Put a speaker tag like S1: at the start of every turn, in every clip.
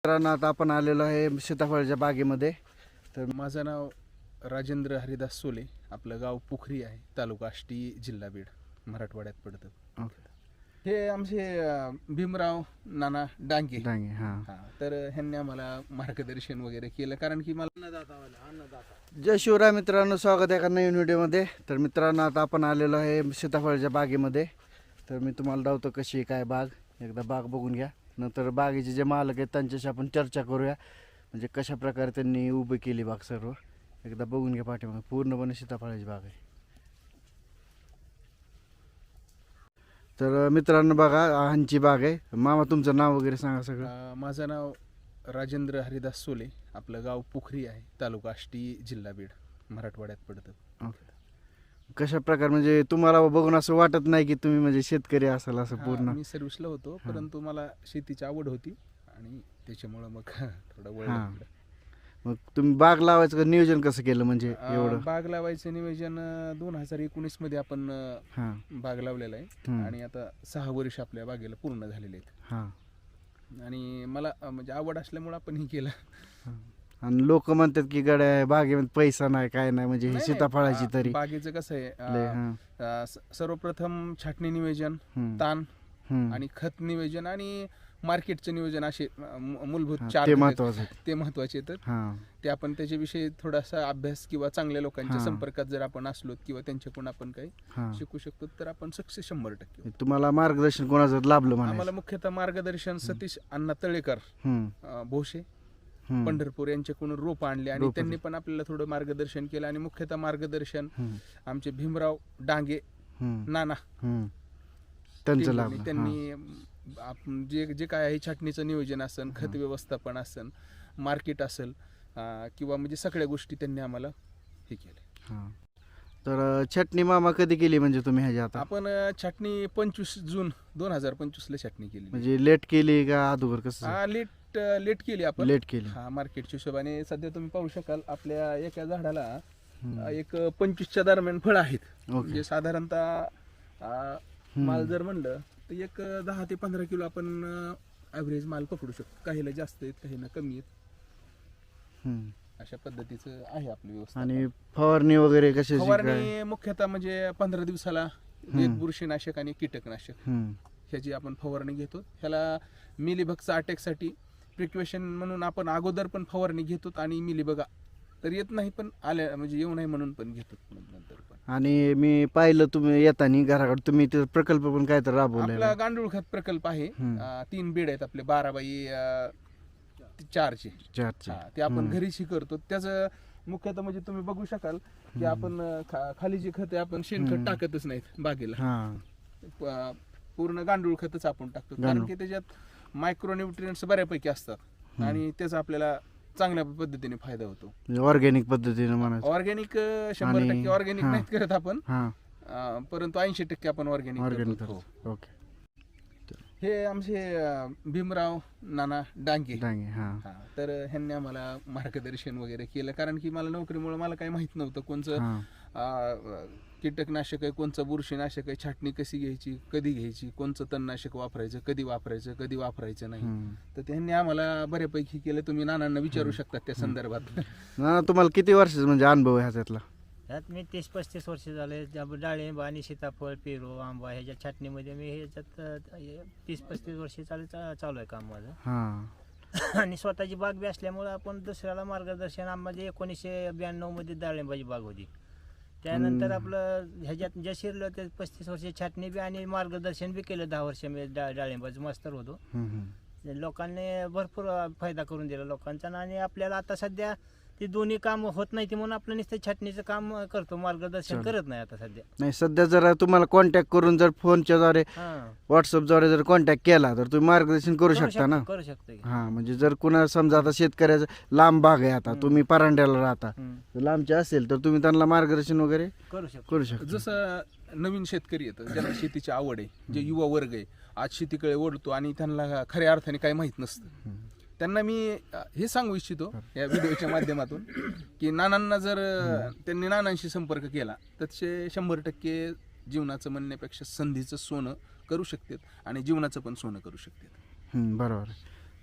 S1: मित्रांनो, आता आपण आलेलो आहे सीताफळाच्या बागेमध्ये.
S2: तर माझं नाव राजेंद्र हरिदास सोले. आपलं गाव पोखरी आहे, तालुका आष्टी, जिल्हा बीड, मराठवाड्यात पडतं. हे आमचे भीमराव नाना डांगे.
S1: हां.
S2: तर ह्यांनी आम्हाला मार्गदर्शन वगैरे केलं, कारण की मला
S1: जय शिवराय मित्रांनो, स्वागत आहे एका नवीन व्हिडिओमध्ये. तर मित्रांनो, आता आपण आलेलो आहे सीताफळाच्या बागेमध्ये. तर मी तुम्हाला दावतो कशी आहे काय बाग, एकदा बाग बघून घ्या. नंतर बागेचे जे मालक आहेत त्यांच्याशी आपण चर्चा करूया, म्हणजे कशा प्रकारे त्यांनी उभी केली बाग सर्व. एकदा बघून घ्या पाठीमागे, पूर्णपणे सीताफळाची बाग आहे. तर मित्रांनो बघा, ह्यांची बाग आहे. मामा, तुमचं नाव वगैरे सांगा सगळं.
S2: माझं नाव राजेंद्र हरिदास सोले. आपलं गाव पोखरी आहे, तालुका आष्टी, जिल्हा बीड, मराठवाड्यात पडतं.
S1: कशा प्रकार, म्हणजे तुम्हाला बघून असं वाटत नाही की तुम्ही म्हणजे शेतकरी असाल असं पूर्ण?
S2: मी सर्व्हिसला होतो, परंतु मला शेतीची आवड होती आणि त्याच्यामुळं मग थोडं वळलं इकडं.
S1: मग तुम्ही बाग लावायचं नियोजन कसं केलं, म्हणजे एवढं?
S2: बाग लावायचं नियोजन 2019 मध्ये आपण बाग लावलेला आहे आणि आता 6 वर्ष आपल्या बागेला पूर्ण झालेले आहेत. आणि मला म्हणजे आवड असल्यामुळे आपण हे केलं.
S1: आणि लोक म्हणतात की गड्या बागेमध्ये पैसा नाही, काय नाही, म्हणजे ही सीताफळाची तरी
S2: बागेचं कसं आहे, सर्वप्रथम छाटणी नियोजन, ताण आणि खत नियोजन आणि मार्केटचं नियोजन, असे मूलभूत 4
S1: ते महत्वाचं.
S2: ते महत्वाचे आहेत. ते आपण त्याच्याविषयी थोडासा अभ्यास किंवा चांगल्या लोकांच्या संपर्कात जर आपण असलो किंवा त्यांच्याकडून आपण काही शिकू शकतो, तर आपण सक्सेस 100%.
S1: तुम्हाला मार्गदर्शन कोणाचं लाभलं?
S2: आम्हाला मुख्यतः मार्गदर्शन सतीश अण्णा तळेकर भोसे, पंढरपूर यांच्याकडून रोप आणले आणि त्यांनी पण आपल्याला थोडं मार्गदर्शन केलं. आणि मुख्यतः मार्गदर्शन आमचे भीमराव डांगे नाना
S1: त्यांचं लाभ.
S2: त्यांनी जे काय आहे, छाटणीचं नियोजन असेल, खत व्यवस्थापन असेल, मार्केट असेल किंवा म्हणजे सगळ्या गोष्टी त्यांनी आम्हाला हे केले.
S1: तर छटणी मामा कधी केली म्हणजे तुम्ही ह्याच्या? आता
S2: आपण छाटणी 25 जून 2025 ला छाटणी केली.
S1: म्हणजे लेट केली का अगोदर कसं?
S2: लेट केली आपण.
S1: लेट केली.
S2: मार्केटच्या हिशोबाने सध्या तुम्ही पाहू शकाल, आपल्या एका झाडाला एक 25च्या दरम्यान फळ आहेत. म्हणजे साधारणतः माल जर म्हणलं तर एक 10 ते 15 किलो आपण ॲव्हरेज माल पकडू शकतो. काहीला जास्त आहेत, काहीला कमी आहेत. अशा पद्धतीचं आहे आपली व्यवस्था.
S1: आणि फवारणी वगैरे कशी?
S2: फवारणी मुख्यतः म्हणजे 15 दिवसाला एक बुरशीनाशक आणि कीटकनाशक ह्याची आपण फवारणी घेतो. ह्याला मिलीबगचा अटॅकसाठी प्रिकॉशन म्हणून आपण अगोदर पण फवारणी घेतो आणि मिलीबग तर येत नाही, पण आल्या म्हणजे येऊ नये म्हणून पण घेतो नंतर पण. आणि
S1: मी पाहिलं तुम्ही येताना घराकडे तुम्ही ते प्रकल्प पण काय तर राबवला.
S2: आपला गांडूळ खत प्रकल्प आहे. 3 बेड आहेत आपले, 12x4चे. ते आपण घरीच करतो. त्याचं मुख्यतः म्हणजे तुम्ही बघू शकाल की आपण खाली जे खत आहे, आपण शेणखत टाकतच नाहीत बागेला. पूर्ण गांडूळ खतच आपण टाकतो, कारण की त्याच्यात मायक्रोन्यूट्रिएंट्स बऱ्यापैकी असतात आणि त्याचा आपल्याला चांगल्या पद्धतीने फायदा होतो.
S1: ऑर्गॅनिक पद्धतीने म्हणायचं.
S2: ऑर्गॅनिक 100% ऑर्गॅनिक नाहीत करत आपण, परंतु 80% आपण ऑर्गॅनिक करतो.
S1: ओके.
S2: हे आमचे भीमराव नाना डांगे. तर ह्यांनी आम्हाला मार्गदर्शन वगैरे केलं, कारण की मला नोकरीमुळे मला काही माहित नव्हतं कोणचं कीटकनाशक आहे, कोणचं बुरशीनाशक आहे, छाटणी कशी घ्यायची, कधी घ्यायची, कोणचं तणनाशक वापरायचं, कधी वापरायचं नाही. तर त्यांनी आम्हाला बऱ्यापैकी केलं. तुम्ही नानांना विचारू शकता त्या संदर्भात.
S1: नाना, तुम्हाला किती वर्षाचा म्हणजे अनुभव आहे ह्याच्यातला?
S3: ह्यात मी 30-35 वर्ष झाले. डाळिंब आणि सीताफळ, पेरू, आंबा ह्याच्या छाटणीमध्ये मी ह्याच्यात 30-35 वर्ष चालू आहे काम माझं. आणि स्वतःची बाग बी असल्यामुळे आपण दुसऱ्याला मार्गदर्शन. म्हणजे 1992 मध्ये डाळिंबाची बाग होती. त्यानंतर आपलं ह्याच्यात जे शिरलं ते 35 वर्ष छाटणी बी आणि मार्गदर्शन बी केलं. 10 वर्ष मी डाळिंबाचं मास्तर होतो. लोकांनी भरपूर फायदा करून दिला लोकांचा. आणि आपल्याला आता सध्या ते दोन्ही काम होत नाही, म्हणून आपलं नुसतं छाटणीचं काम करतो, मार्गदर्शन करत नाही आता सध्या.
S1: नाही, सध्या जर तुम्हाला कॉन्टॅक्ट करून जर फोनच्या द्वारे, व्हॉट्सअपद्वारे जर कॉन्टॅक्ट केला तर तुम्ही मार्गदर्शन करू शकता ना?
S3: करू शकतो.
S1: म्हणजे जर कुणा समजा आता शेतकऱ्याचं लांब बाग आहे, आता तुम्ही परांड्याला राहता, लांबचे असेल तर तुम्ही त्यांना मार्गदर्शन वगैरे करू शकता.
S2: जसं नवीन शेतकरी येतं, ज्यांना शेतीची आवड आहे, जे युवा वर्ग आहे, आज शेतीकडे ओढतो आणि त्यांना खऱ्या अर्थाने काही माहित नसतं, त्यांना मी हे सांगू इच्छितो या व्हिडिओच्या माध्यमातून की नानांना जर त्यांनी नानांशी संपर्क केला तर ते 100% जीवनाचं म्हणण्यापेक्षा संधीचं सोनं करू शकतात आणि जीवनाचं पण सोनं करू शकतात.
S1: बरोबर.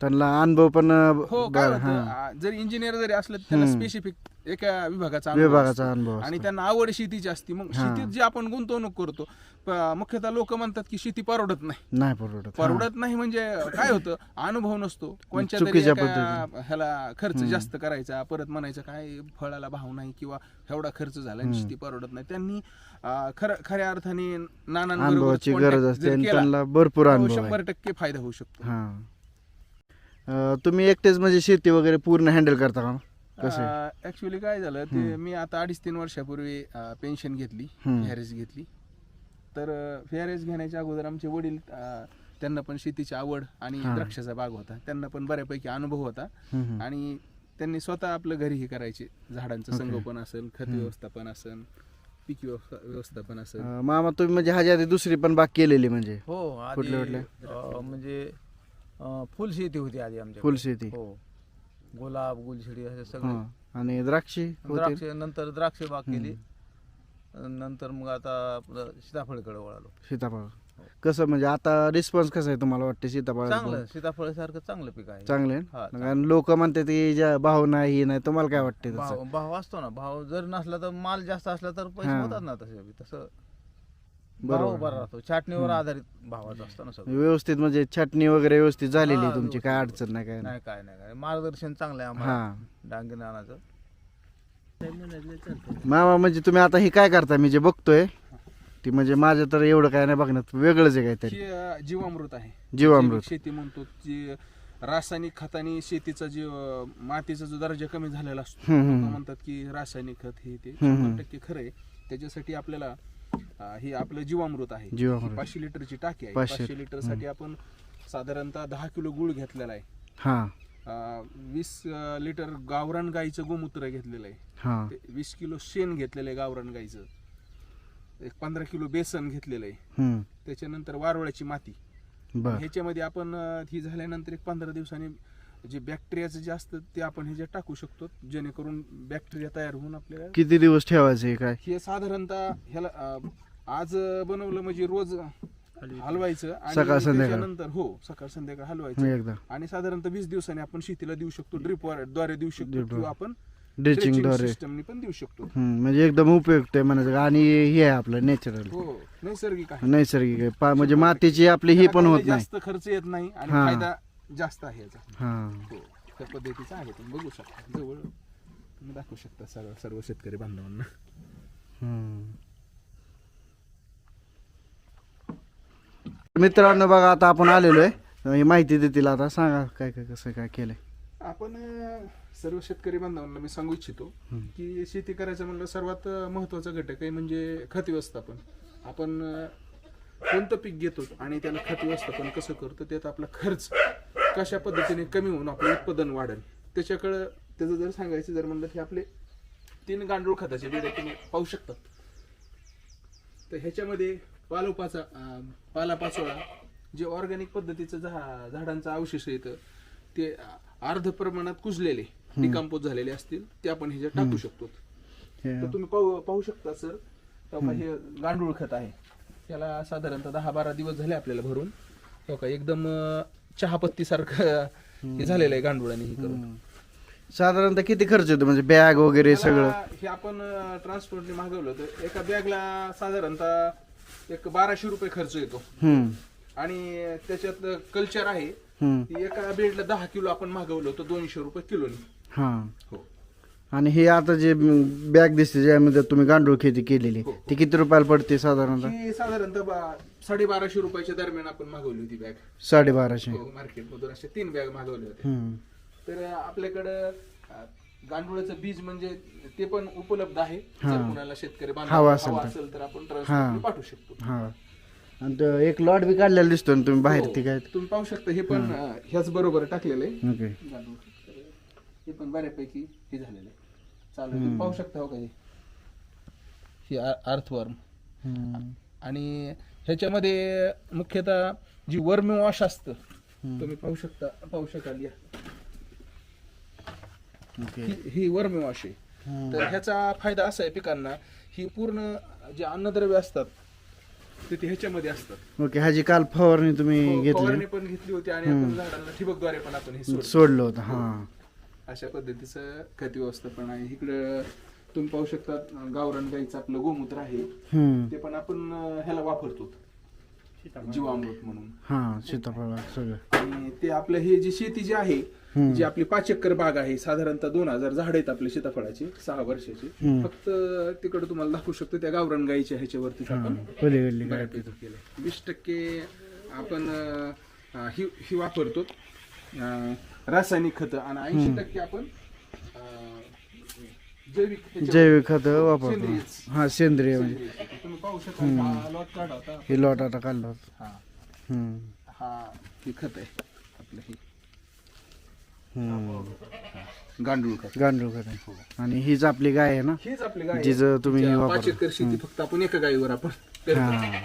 S1: त्यांना अनुभव पण
S2: हो काय होतं, जरी इंजिनियर जरी असलं तरी त्यांना स्पेसिफिक एका विभागाचा अनुभव
S1: विभागाचा
S2: असतो.
S1: अनुभव
S2: आणि त्यांना आवड शेतीची असते. मग शेतीत जे आपण गुंतवणूक करतो, मुख्यतः लोक म्हणतात की शेती परवडत नाही.
S1: नाही
S2: परवडत नाही म्हणजे काय होतं, अनुभव नसतो, कोणत्या तरी
S1: चुकीच्या
S2: एका ह्याला खर्च जास्त करायचा, परत म्हणायचं काय फळाला भाव नाही किंवा एवढा खर्च झाला आणि शेती परवडत नाही. त्यांनी खऱ्या अर्थाने नानांबरोबर
S1: अनुभवाची गरज असते आणि
S2: केला,
S1: त्यांना भरपूर
S2: तो
S1: अनुभव आहे.
S2: 100% फायदा होऊ शकतो.
S1: तुम्ही एकटेच म्हणजे शेती वगैरे पूर्ण हँडल करता का कसं?
S2: ऍक्च्युली काय झालं ते, मी आता 2.5-3 वर्षापूर्वी पेन्शन घेतली, व्हीआरएस घेतली. तर व्हीआरएस घेण्याच्या अगोदर आमचे वडील, त्यांना पण शेतीची आवड आणि द्राक्षाचा बाग होता, त्यांना पण बऱ्यापैकी अनुभव होता. आणि त्यांनी स्वतः आपलं घरी हे करायचे, झाडांचं संगोपन असेल, खत व्यवस्थापन असेल, पीक व्यवस्थापन असेल.
S1: मामा तुम्ही म्हणजे ह्याच्या आधी दुसरी पण बाग केलेली म्हणजे?
S4: हो,
S1: कुठल्या
S4: म्हणजे फुल शेती होती आधी आमच्या.
S1: फुल शेती?
S4: हो, गुलाब, गुलछडी असे सगळे.
S1: आणि द्राक्षी
S4: द्राक्ष, नंतर द्राक्ष बाग केली, नंतर मग आता आपलं सीताफळकडे वळालो.
S1: सीताफळ कसं म्हणजे आता रिस्पॉन्स कसा आहे तुम्हाला वाटते सीताफळ?
S4: चांगलं, सीताफळ सारखं चांगलं पीक आहे.
S1: चांगले
S4: हा,
S1: आणि लोक म्हणतात की ज्या भाव नाही हे नाही, तुम्हाला काय वाटते?
S4: भाव असतो ना, भाव जर नसला तर माल जास्त असला तर पैसे होतात ना, तसं भाव बरा राहतो. छाटणीवर आधारित भावाचा असतो ना सगळं.
S1: व्यवस्थित म्हणजे छाटणी वगैरे व्यवस्थित झालेली तुमची, काय अडचण नाही काय?
S4: नाही, काय मार्गदर्शन चांगलं आहे आम्हाला डांगे नानाचं.
S1: मामा म्हणजे तुम्ही आता हे काय करता मी जे बघतोय ती, म्हणजे माझं तर एवढं काय नाही बघण्यात, वेगळंच आहे काहीतरी.
S2: जीवामृत आहे,
S1: जीवामृत
S2: शेती म्हणतो. जी रासायनिक खताने शेतीचा जे मातीचा जो दर्जा कमी झालेला असतो, लोकं म्हणतात की रासायनिक खत हे ते 100% खरं आहे. त्याच्यासाठी आपल्याला हे आपलं जीवामृत आहे. 500 लिटरची टाकी आहे. 500 लिटर साठी आपण साधारणतः 10 किलो गुळ घेतलेला आहे. 20 लिटर गावरान गाईचं गोमूत्र घेतलेलं आहे. 20 किलो शेण घेतलेलं आहे गावरान गाईचं. 15 किलो बेसन घेतलेलं आहे. त्याच्यानंतर वारुळाची माती. ह्याच्यामध्ये आपण ही झाल्यानंतर 15 दिवसांनी जे बॅक्टेरियाचं जे असतं ते आपण ह्याच्यात टाकू शकतो, जेणेकरून बॅक्टेरिया तयार होऊन आपल्याला.
S1: किती दिवस ठेवायचे काय
S2: हे साधारणतः ह्याला आज बनवलं म्हणजे रोज हलवायचं आणि
S1: सकाळ संध्याकाळ.
S2: त्याच्यानंतर सकाळ संध्याकाळ हलवायचं आणि साधारणतः 20 दिवसांनी आपण शेतीला देऊ शकतो. ड्रिप द्वारे देऊ शकतो किंवा आपण
S1: ड्रिचिंग द्वारे
S2: सिस्टमनी पण देऊ शकतो.
S1: म्हणजे एकदम उपयुक्त आहे म्हणायचं. आणि हे आहे आपलं नॅचरल,
S2: नैसर्गिक आहे.
S1: नैसर्गिक आहे म्हणजे मातीची आपली ही पण होत नाही,
S2: जास्त खर्च येत नाही आणि फायदा जास्त आहे याचा. त्या पद्धतीचा आहे. तुम्ही बघू शकता, जवळ तुम्ही दाखवू शकता सर्व शेतकरी बांधवांना.
S1: मित्रांनो बघा, आता आपण आलेलो आहे, ही माहिती देतील आता. सांगा काय काय कसं काय केलंय
S2: आपण. सर्व शेतकरी बांधवांना मी सांगू इच्छितो की शेती करायचं म्हणलं सर्वात महत्वाचा घटक आहे म्हणजे खत व्यवस्थापन. आपण कोणतं पीक घेतो आणि त्याला खत व्यवस्थापन कसं करतो, त्यात आपला खर्च कशा पद्धतीने कमी होऊन आपलं उत्पादन वाढेल त्याच्याकडं. त्याचं जर सांगायचं जर म्हणलं की आपले 3 गांडूळ खताचे बेडे तुम्ही पाहू शकतात. तर ह्याच्यामध्ये पालापाचोळा जे ऑर्गॅनिक पद्धतीचं झाडांचं अवशेष येतं ते अर्ध प्रमाणात कुजलेले डिकम्पोज झालेले असतील ते आपण ह्याच्यात टाकू शकतो. तर तुम्ही पाहू शकता सर, हे गांडूळ खत आहे. त्याला साधारणतः 10-12 दिवस झाले आपल्याला भरून. एकदम चहापत्ती सारखं हे झालेलं आहे गांडुळाने हे करून.
S1: साधारणतः किती खर्च येतो म्हणजे बॅग वगैरे सगळं?
S2: हे आपण ट्रान्सपोर्टने मागवलं तर एका बॅगला साधारणतः 1200 रुपये खर्च येतो. आणि त्याच्यात कल्चर आहे, एका बेडला 10 किलो आपण मागवलं होतं 200 रुपये किलोनी.
S1: आणि हे आता जे बॅग दिसते ज्यामध्ये तुम्ही गांडूळ खेती केलेली ती किती रुपयाला पडते साधारणतः?
S2: ही साधारणतः 1250 रुपयाच्या दरम्यान आपण मागवली होती बॅग.
S1: 1250
S2: मार्केटमधून अशा 3 बॅग मागवले होते. तर आपल्याकडं गांडुळाचं बीज म्हणजे ते पण उपलब्ध आहे. जर कुणाला शेतकरी बांधव असेल तर आपण ट्रान्सपोर्ट पाठवू शकतो.
S1: आणि एक लॉट बी काढलेला दिसतो तुम्ही बाहेर, ती काय
S2: तुम्ही पाहू शकता. हे पण ह्याच बरोबर टाकलेलं आहे.
S1: ओके.
S2: हे पण बऱ्यापैकी हे झालेलं आहे, चालू. तुम्ही पाहू शकता हो काही ही अर्थवर्म. आणि ह्याच्यामध्ये मुख्यतः जी वर्मी वॉश असतं तुम्ही पाहू शकाल या. ही वर्मी वॉश आहे. तर ह्याचा फायदा असा आहे पिकांना, ही पूर्ण जे अन्नद्रव्य असतात तर ते ह्याच्यामध्ये असतात.
S1: ओके, ह्याची काल फवारणी तुम्ही घेतली,
S2: फवारणी पण घेतली होती आणि आपण झाडांना ठिबकद्वारे पण आपण हे
S1: सोडलं होतं. हां
S2: अशा पद्धतीचं खत व्यवस्थापन आहे. इकडं तुम्ही पाहू शकता गावरान गाईचं आपलं गोमूत्र आहे, ते पण आपण ह्याला वापरतो जीवामृत म्हणून.
S1: हां सीताफळ सगळं.
S2: आणि ते आपलं हे जी शेती जी आहे, जी आपली 5 एकर बाग आहे, साधारणतः 2000 झाड आहेत आपले सीताफळाची 6 वर्षाची. फक्त तिकडे तुम्हाला दाखवू शकतो त्या गावरान गाईच्या ह्याच्यावरती आपण
S1: पलीकडली काय
S2: बऱ्यापैकी केलं. 20% आपण ही वापरतो रासायनिक खत आणि 80% आपण
S1: जैविक खत वापरतो.
S2: सेंद्रियच.
S1: हां सेंद्रिय म्हणजे
S2: तुम्ही पाहू शकता हा लॉट काढा होता.
S1: हे लॉट आता काढलं होतं.
S2: हा हा हे खत आहे आपलं हे गांडूळ खत.
S1: गांडूळ खत आहे. आणि हीच आपली गाय आहे ना,
S2: हीच आपली गाय
S1: जिचं तुम्ही
S2: आहे.
S1: वापरता.
S2: 5 एकर शेती फक्त आपण एका गायीवर आपण करतो.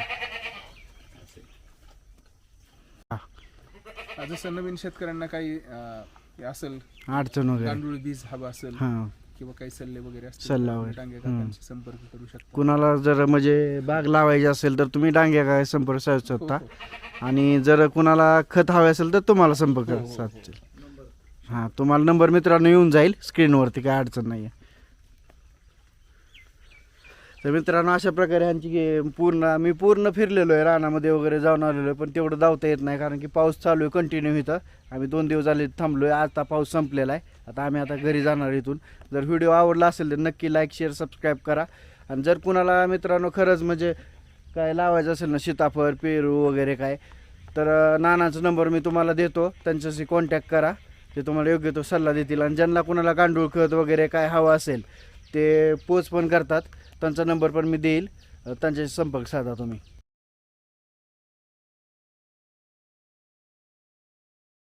S2: जसं नवीन शेतकऱ्यांना काही हे असेल
S1: अडचण वगैरे,
S2: गांडूळ बीज हवं असेल
S1: हां
S2: किंवा काही सल्ले वगैरे असतील,
S1: सल्ला
S2: तर
S1: वगैरे.
S2: डांगे काकांशी संपर्क करू शकता.
S1: कुणाला जर म्हणजे बाग लावायची असेल तर तुम्ही डांग्या काय संपर्क साधू शकता. आणि जर कुणाला खत हवे असेल तर तुम्हाला संपर्क साधतील. हां तुम्हाला नंबर मित्रांनो येऊन जाईल स्क्रीनवरती, काय अडचण नाही आहे. तर मित्रांनो अशा प्रकारे ह्यांची मी पूर्ण फिरलेलो आहे, रानामध्ये वगैरे जाऊन आलेलो आहे, पण तेवढं धावता येत नाही कारण की पाऊस चालू आहे कंटिन्यू. इथं आम्ही 2 दिवस झाले थांबलो आहे, आता पाऊस संपलेला आहे. आता आम्ही घरी जाणार इथून. जर व्हिडिओ आवडला असेल तर नक्की लाईक शेअर सबस्क्राईब करा. आणि जर कुणाला मित्रांनो खरंच म्हणजे काय लावायचं असेल ना, सीताफळ पेरू वगैरे काय, तर नानाचा नंबर मी तुम्हाला देतो, त्यांच्याशी कॉन्टॅक्ट करा, ते तुम्हाला योग्य तो सल्ला देतील. आणि ज्यांना कुणाला गांडूळ खत वगैरे काय हवं असेल ते पोच पण करतात, त्यांचा नंबर पण मी देईल, त्यांच्याशी संपर्क साधा तुम्ही.